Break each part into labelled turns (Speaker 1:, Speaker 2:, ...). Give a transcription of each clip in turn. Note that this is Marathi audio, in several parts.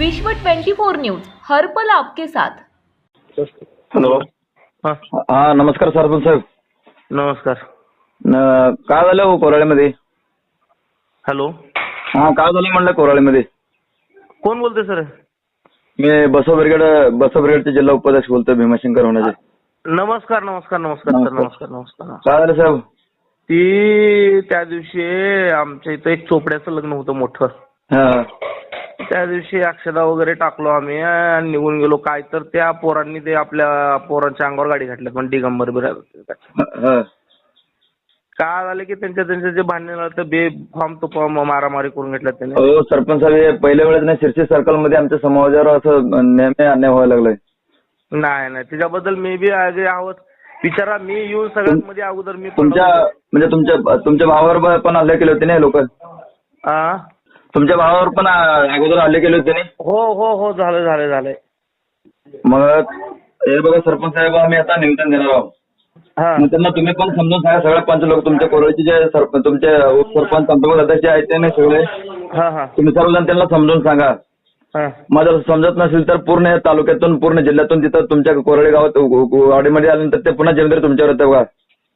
Speaker 1: विश्व 24 न्यूज हर पल आपके साथ।
Speaker 2: हॅलो.
Speaker 3: हा
Speaker 2: हा नमस्कार सरपंच साहेब.
Speaker 3: नमस्कार.
Speaker 2: काय झालं हो कोराळीमध्ये?
Speaker 3: हॅलो.
Speaker 2: हा काय झालं म्हणलं कोराळीमध्ये?
Speaker 3: कोण बोलते सर?
Speaker 2: मी बसव ब्रिगेडचे जिल्हा उपाध्यक्ष बोलतोय भीमाशंकर होण्याचे.
Speaker 3: नमस्कार नमस्कार नमस्कार सर. नमस्कार नमस्कार.
Speaker 2: काय झालं साहेब?
Speaker 3: ती त्या दिवशी आमच्या इथं एक चोपड्याचं लग्न होतं मोठं.
Speaker 2: हा
Speaker 3: त्या दिवशी अक्षदा वगैरे टाकलो आम्ही आणि निघून गेलो. काय तर त्या पोरांनी ते आपल्या पोरांच्या अंगावर गाडी घातली पण दिगंबर
Speaker 2: हा.
Speaker 3: काय झालं की त्यांच्या जे भांडण झालं तर बेफाम तो मारामारी करून घेतला त्याने.
Speaker 2: हो सरपंच साहेब, हे पहिल्या वेळेस नाही शिर्सी सर्कल मध्ये आमच्या समाजावर असं नेहमी अन्याय व्हायला लागलाय.
Speaker 3: नाही नाही त्याच्याबद्दल मी बी आहोत. विचारा मी येऊन सगळ्यात मध्ये अगोदर मी
Speaker 2: तुमच्या म्हणजे तुमच्या भावावर पण हल्ले केले होते ना लोक? तुमच्या भावावर पण अगोदर हल्ले केले होते ना?
Speaker 3: हो हो हो झालंय.
Speaker 2: मग हे बघा सरपंच साहेब, आम्ही आता निवेदन देणार आहोत. मग त्यांना तुम्ही पण समजून सांगा, सगळे पंच लोक तुमच्या कोरोळीचे जे सरपंच तुमचे उपसरपंच पंतप्रधान अध्यक्ष आहेत ते नाही सगळे तुम्ही सर्वजण त्यांना समजून सांगा. मग जर समजत नसेल तर पूर्ण तालुक्यातून पूर्ण जिल्ह्यातून तिथं तुमच्या कोरोळी गावात वाडीमध्ये आल्यानंतर ते पुन्हा जबाबदारी तुमच्यावर येते बघा.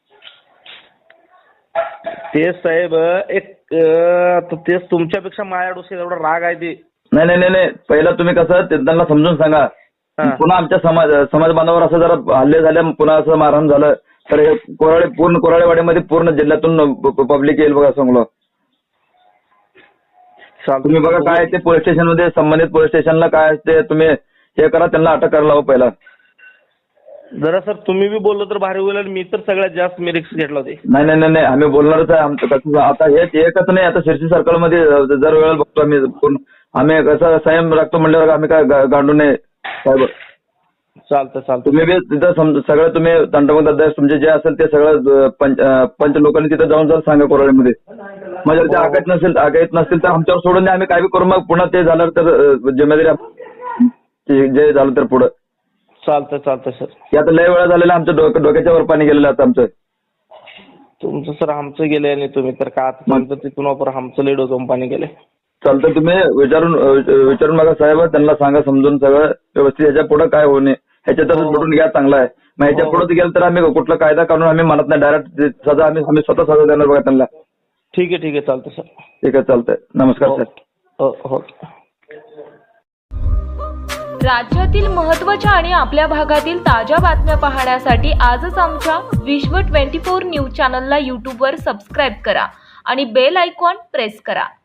Speaker 3: ते साहेब एक तेच तुमच्यापेक्षा माझ्या डोक्यात एवढा राग आहे ते.
Speaker 2: नाही पहिला तुम्ही कसं त्यांना समजून सांगा. पुन्हा आमच्या समाज बांधवावर असं जरा हल्ले झाले, पुन्हा असं मारहाण झालं तर हे पूर्ण कोराळेवाडीमध्ये पूर्ण जिल्ह्यातून पब्लिक येईल बघा सांगलो. तुम्ही बघा काय ते पोलीस स्टेशन मध्ये संबंधित पोलीस स्टेशनला काय असते तुम्ही हे करा, त्यांना अटक करायला हवं पहिला.
Speaker 3: जरा सर तुम्ही बी बोललो तर भारी होईल. मी तर सगळ्यात जास्त मी रिक्स घेतला होते.
Speaker 2: नाही आम्ही बोलणारच आहे. आमचं कसं आता हेच एकच नाही, आता शिर्सी सर्कल मध्ये जर वेळेला बघतो आम्ही कसं संयम राखतो म्हणल्यावर आम्ही काय गांडू नये साहेब.
Speaker 3: चालतं
Speaker 2: तुम्ही बी तिथं सगळं तुम्ही तंटमत अध्यक्ष तुमचे जे असेल ते सगळं पंच लोकांनी तिथं जाऊन सांगा कोराळीमध्ये. म्हणजे ते आगायत नसतील तर आमच्यावर सोडून द्या, आम्ही काय बी करू. मग पुन्हा ते झालं तर जिम्मेदारी जे झालं तर पुढं
Speaker 3: चालतं सर.
Speaker 2: आता लय वेळा झालेला आमच्या डोक्याच्या वर पाणी गेलेलं आता आमचं.
Speaker 3: तुमचं सर आमचं गेलंय आणि तुम्ही तर का तिथून वापर आमचं लय डोकं पाणी गेलंय.
Speaker 2: चालतं तुम्ही विचारून बघा साहेब, त्यांना सांगा समजून सगळं व्यवस्थित. ह्याच्या पुढे काय होऊ नये ह्याच्यातच भेटून घ्या, चांगला आहे. मग ह्याच्या पुढे गेलं तर आम्ही कुठला कायदा काढून आम्ही म्हणत नाही, डायरेक्ट सजा आम्ही स्वतः सजा देणार बघा त्यांना.
Speaker 3: ठीक आहे चालतं सर.
Speaker 2: ठीक आहे चालतंय. नमस्कार सर.
Speaker 3: हो.
Speaker 1: राज्यातील महत्त्वाच्या आणि आपल्या भागातील ताज्या बातम्या पाहण्यासाठी आजच आमच्या विश्व 24 न्यूज चॅनलला यूट्यूबवर सबस्क्राईब करा आणि बेल आयकॉन प्रेस करा.